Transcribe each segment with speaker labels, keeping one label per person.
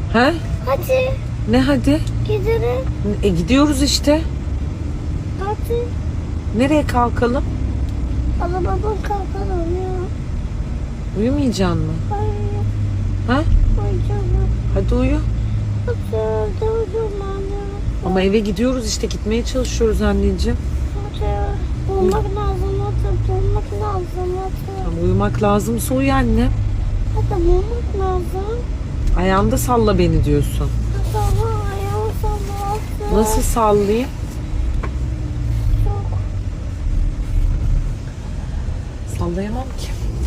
Speaker 1: He?
Speaker 2: Hadi.
Speaker 1: Ne hadi?
Speaker 2: Gidelim.
Speaker 1: Gidiyoruz işte.
Speaker 2: Hadi.
Speaker 1: Nereye kalkalım?
Speaker 2: Ama babam kalkalım ya.
Speaker 1: Uyumayacaksın mı?
Speaker 2: Hayır.
Speaker 1: Ha?
Speaker 2: Uyuyacağım.
Speaker 1: Hadi uyu.
Speaker 2: Hadi. Hadi uyuyacağım ya.
Speaker 1: Ama eve gidiyoruz işte, gitmeye çalışıyoruz anneciğim.
Speaker 2: Hadi. Olmak lazım. Hadi. Olmak lazım. Hadi.
Speaker 1: Tamam, uyumak lazımsa uyu anne.
Speaker 2: Hadi olmak lazım.
Speaker 1: Ayağında salla beni diyorsun.
Speaker 2: Hadi ama ayağımı sallasın.
Speaker 1: Nasıl sallayayım?
Speaker 2: Çok.
Speaker 1: Sallayamam ki.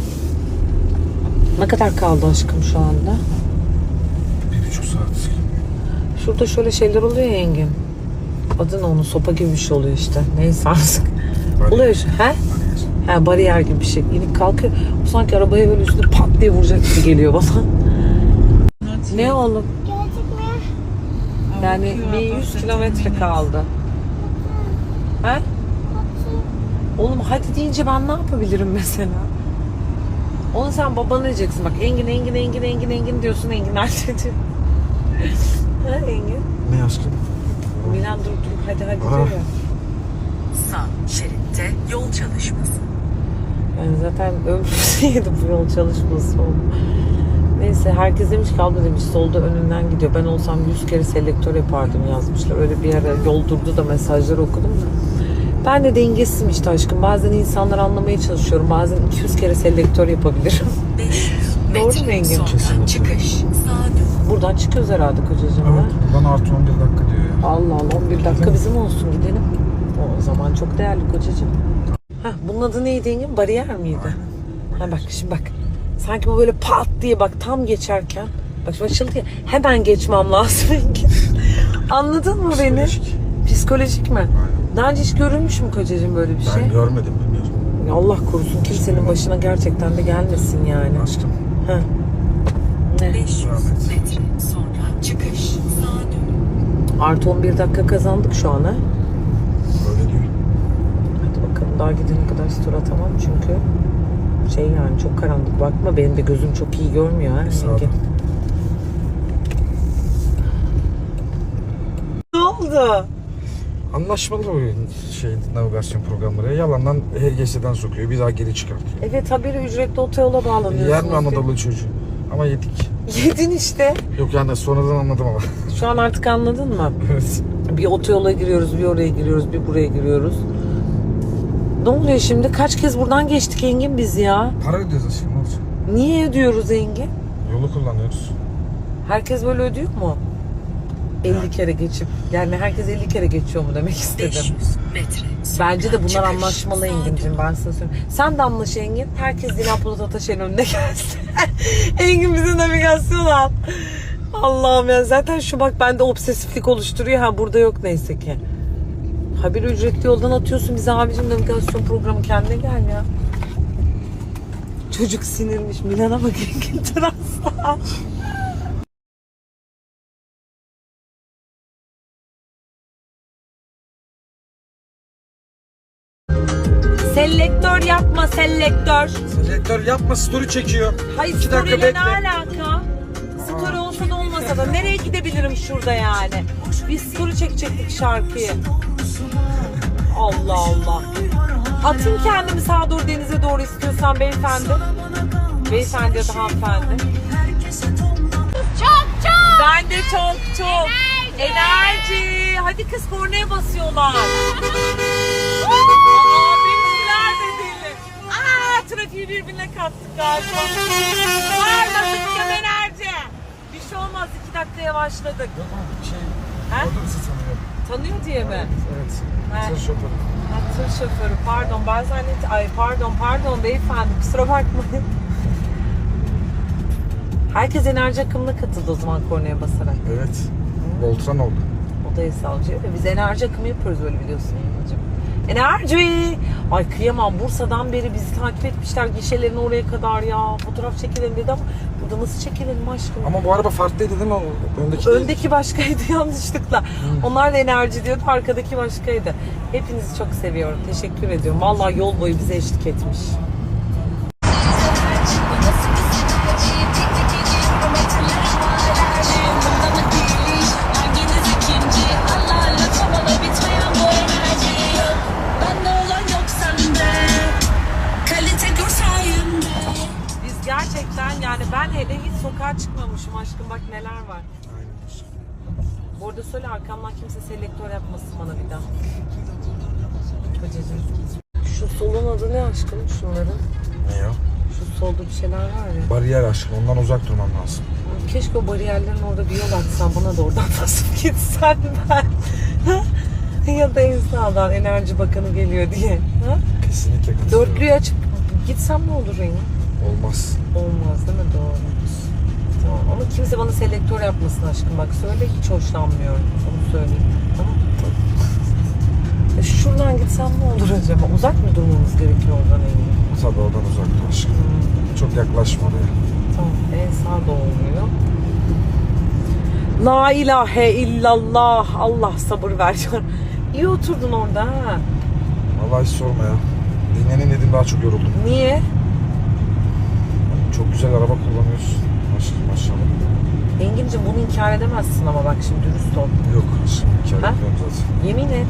Speaker 1: Ne kadar kaldı aşkım şu anda?
Speaker 3: 1,5 saat.
Speaker 1: Şurada şöyle şeyler oluyor ya Engin. Adı ne, onun sopa gibi bir şey oluyor işte. Neyse artık. Oluyor şu. He? He, bariyer gibi bir şey. İnip kalkıyor. O sanki arabaya böyle üstüne pat diye vuracak gibi geliyor bana. Ne oğlum?
Speaker 2: Gelecek mi?
Speaker 1: Yani bir 100 kilometre kaldı. He?
Speaker 2: Hadi.
Speaker 1: Oğlum hadi deyince ben ne yapabilirim mesela? Onu sen babana diyeceksin. Bak Engin diyorsun. Engin nerede diyor. Ha Engin?
Speaker 3: Ne aşkım?
Speaker 1: Milan dur hadi
Speaker 3: Aa.
Speaker 1: diyor.
Speaker 4: Sağ şeritte yol çalışması.
Speaker 1: Yani zaten ömrümüzü yedi bu yol çalışması oldu. Neyse herkes demiş ki abla demiş solda önünden gidiyor. Ben olsam 100 kere selektör yapardım yazmışlar. Öyle bir ara yol durdu da mesajları okudum da. Ben de dengesizim işte aşkım. Bazen insanları anlamaya çalışıyorum. Bazen 200 kere selektör yapabilirim.
Speaker 4: 500
Speaker 1: Doğru mu
Speaker 4: metre
Speaker 1: Engin?
Speaker 4: sonra
Speaker 3: Kesinlikle.
Speaker 4: çıkış. Sağa dön.
Speaker 1: Buradan çıkıyoruz herhalde kocacığım.
Speaker 3: Evet.
Speaker 1: Ha?
Speaker 3: Bana artı 11 dakika diyor ya.
Speaker 1: Allah Allah 11 dakika bizim olsun gidelim. O zaman çok değerli kocacığım. Hah, bunun adı neydi Engin? Bariyer miydi? Ha bak şimdi bak. Sanki bu böyle pat diye bak tam geçerken. Bak şimdi açıldı ya. Hemen geçmem lazım Engin. Anladın mı beni?
Speaker 3: Psikolojik.
Speaker 1: Psikolojik mi?
Speaker 3: Aynen.
Speaker 1: Daha önce hiç görülmüş mü kocacığım böyle bir şey?
Speaker 3: Ben görmedim, bilmiyorum.
Speaker 1: Ya Allah korusun kimsenin başına gerçekten de gelmesin yani.
Speaker 3: Aşkım.
Speaker 1: Ha. Ne?
Speaker 4: 500
Speaker 3: Rahmet.
Speaker 4: metre sonra çıkış. Sağa dön.
Speaker 1: Artı 11 dakika kazandık şu an ha.
Speaker 3: Öyle diyor.
Speaker 1: Hadi bakalım daha gidene kadar story atamam çünkü şey yani çok karanlık, bakma benim de gözüm çok iyi görmüyor ha.
Speaker 3: Sağ ol.
Speaker 1: Engin. Ne oldu?
Speaker 3: Anlaşmalı bu navigasyon programları. Yalandan HGS'den sokuyor. Bir daha geri çıkartıyor.
Speaker 1: Evet haberi ücretli otoyola bağlanıyorsunuz.
Speaker 3: Yer mi Anadolu çocuğu? Ama yedik.
Speaker 1: Yedin işte.
Speaker 3: Yok yani sonradan anladım ama.
Speaker 1: Şu an artık anladın mı?
Speaker 3: Evet.
Speaker 1: Bir otoyola giriyoruz, bir oraya giriyoruz, bir buraya giriyoruz. Ne oluyor şimdi? Kaç kez buradan geçtik Engin biz ya?
Speaker 3: Para ödüyoruz aşkım, ne olacak?
Speaker 1: Niye ödüyoruz Engin?
Speaker 3: Yolu kullanıyoruz.
Speaker 1: Herkes böyle ödüyor mu? 50 kere geçip. Yani herkes 50 kere geçiyor mu demek istedim.
Speaker 4: 500 metre sonra
Speaker 1: Bence de bunlar
Speaker 4: çıkış.
Speaker 1: anlaşmalı
Speaker 4: Sağa
Speaker 1: Engin'cim,
Speaker 4: dön.
Speaker 1: ben sana söyleyeyim. Sen de anlaş Engin. Herkes Dilan Polat Ataş'ın önüne gelsin. Engin bize navigasyon al. Allah'ım ya, zaten şu bak bende obsesiflik oluşturuyor. Ha burada yok neyse ki. Haberi ücretli yoldan atıyorsun bize abicim, navigasyon programı, kendine gel ya. Çocuk sinirmiş. Milan'a bak Engin transa. Selektör yapma selektör.
Speaker 3: Selektör yapma, story çekiyor.
Speaker 1: Hayır,
Speaker 3: 2 dakika
Speaker 1: story'le ne
Speaker 3: bekle.
Speaker 1: alaka? Story olsa da olmasa da nereye gidebilirim şurada yani? Biz story çekecektik şarkıyı. Allah Allah. Atayım kendimi sağa doğru, denize doğru istiyorsan beyefendi. Beyefendi ya da hanımefendi.
Speaker 2: Çok.
Speaker 1: Ben de çok. Enerji. Hadi kız, kornaya basıyorlar. Aa, benimkiler de deli. Trafiği birbirine kattık galiba. Bağırmasın ya, enerji. Bir şey olmaz, 2 dakika yavaşladık.
Speaker 3: Yok ama şey,
Speaker 1: He?
Speaker 3: orada bizi tanıyor.
Speaker 1: Tanıyor diye mi?
Speaker 3: Evet.
Speaker 1: He.
Speaker 3: Tır şoförü.
Speaker 1: Ha, tır şoförü, pardon, ben zannettim. Ay pardon beyefendi, kusura bakmayın. Herkes enerji akımına katıldı o zaman kornaya basarak.
Speaker 3: Evet. Voltran oldu.
Speaker 1: O da el sallıyor ve biz enerji akımı yapıyoruz, böyle biliyorsun Yılmacığım. Enerji! Ay kıyamam, Bursa'dan beri bizi takip etmişler gişelerin oraya kadar ya. Fotoğraf çekelim dedi ama burada nasıl çekelim aşkım?
Speaker 3: Ama bu araba farklıydı değil mi? Öndeki değil.
Speaker 1: Öndeki başkaydı yanlışlıkla. Onlar da enerji diyordu, arkadaki başkaydı. Hepinizi çok seviyorum, teşekkür ediyorum. Vallahi yol boyu bize eşlik etmiş. neler var.
Speaker 3: Aynen aşkım.
Speaker 1: Bu arada söyle arkamdan kimse selektör yapmasın bana bir daha. Kocacığım. Şu solun adı ne aşkım şunların?
Speaker 3: Ne ya?
Speaker 1: Şu solda bir şeyler var ya.
Speaker 3: Bariyer aşkım. Ondan uzak durman lazım.
Speaker 1: Keşke o bariyerlerin orada bir yol açsan bana da oradan basıp gitsen ben. Ya da Ensa'dan Enerji Bakanı geliyor diye. Ha?
Speaker 3: Kesinlikle katılıyorum.
Speaker 1: Dörtlüyü açıp gitsem ne olur Reyna?
Speaker 3: Olmaz.
Speaker 1: Olmaz değil mi? Doğru. Tamam. Ama kimse bana selektör yapmasın aşkım. Bak söyle hiç hoşlanmıyorum. Onu söyleyeyim. Tamam. Şuradan gitsem ne olur acaba? Uzak mı durmamız gerekiyor oradan Engin?
Speaker 3: Tabii oradan uzak dur aşkım. Çok yaklaşma oraya.
Speaker 1: Tamam. En sağ da olmuyor. La ilahe illallah. Allah sabır ver. İyi oturdun orada ha.
Speaker 3: Vallahi hiç sorma ya. Dinlenin dedim daha çok yoruldum.
Speaker 1: Niye?
Speaker 3: Çok güzel araba kullanıyorsun. Aşkım maşallah.
Speaker 1: Engin'cim bunu inkar edemezsin ama bak şimdi dürüst ol.
Speaker 3: Yok aşkım. İnkar
Speaker 1: Ha?
Speaker 3: etmiyorum zaten.
Speaker 1: Yemin et.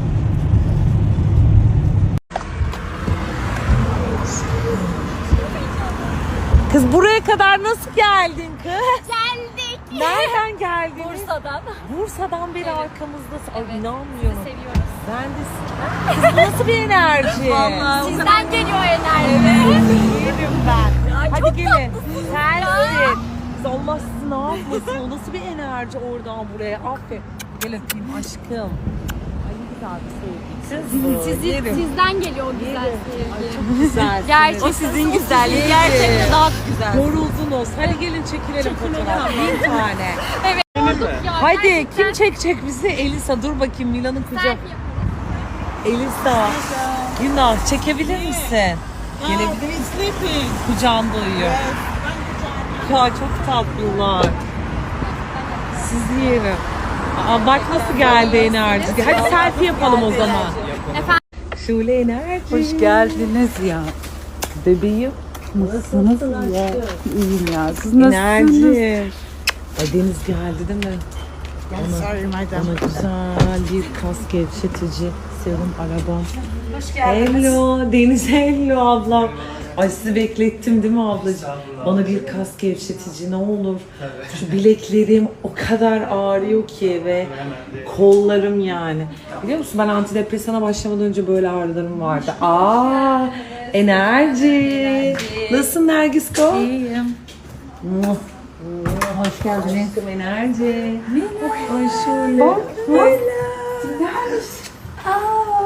Speaker 1: Kız buraya kadar nasıl geldin kız?
Speaker 2: Geldik.
Speaker 1: Nereden geldin?
Speaker 2: Bursa'dan.
Speaker 1: Bursa'dan beri arkamızdasın. Ay
Speaker 2: Evet.
Speaker 1: inanmıyorum.
Speaker 2: Seviyoruz.
Speaker 1: Ben de kız bu nasıl bir enerji?
Speaker 2: Sizden geliyor enerji.
Speaker 1: Yerim ben. Hadi gelin. Sensin. Kız Allah sizi ne yapmasın? O nasıl bir enerji oradan buraya? Aferin. Gel öpeyim aşkım. Ay ne güzel bir sevgi. Kız
Speaker 2: Sizden geliyor o güzel sevgi.
Speaker 1: güzel.
Speaker 2: Gerçekten.
Speaker 1: O sizin güzelliğiniz.
Speaker 2: Gerçekten daha güzel.
Speaker 1: Yoruldunuz. Hadi gelin çekilelim fotoğraf. Bir tane.
Speaker 2: Ya,
Speaker 1: Hadi
Speaker 2: gerçekten
Speaker 1: kim çekecek bizi? Elisa dur bakayım Mila'nın kucağı.
Speaker 2: selfie yapalım.
Speaker 1: Elisa. Günah çekebilir misin? Gelebilir misin? Kucağında uyuyor. Ya çok tatlılar. Sizi yerim. Aa, bak nasıl geldi enerji. Hadi selfie yapalım o zaman.
Speaker 2: Efendim?
Speaker 1: Şule enerji.
Speaker 5: Hoş geldiniz ya.
Speaker 1: Bebeğim.
Speaker 5: Nasılsınız ya? İyiyim ya. Siz nasılsınız?
Speaker 1: Enerji. Ay Deniz geldi değil mi? Ona güzel bir kas gevşetici serum arabam. Hoş geldiniz. Hello Deniz, hello ablam. Ay sizi beklettim değil mi ablacığım? Bana bir kas gevşetici ne olur. Şu bileklerim o kadar ağrıyor ki ve kollarım yani. Biliyor musun ben antidepresana başlamadan önce böyle ağrılarım vardı. Aa, enerji. Nasılsın Nergisko?
Speaker 5: İyiyim. Hoş geldiniz.
Speaker 1: Aşkım enerji. Ay şöyle. Bak böyle.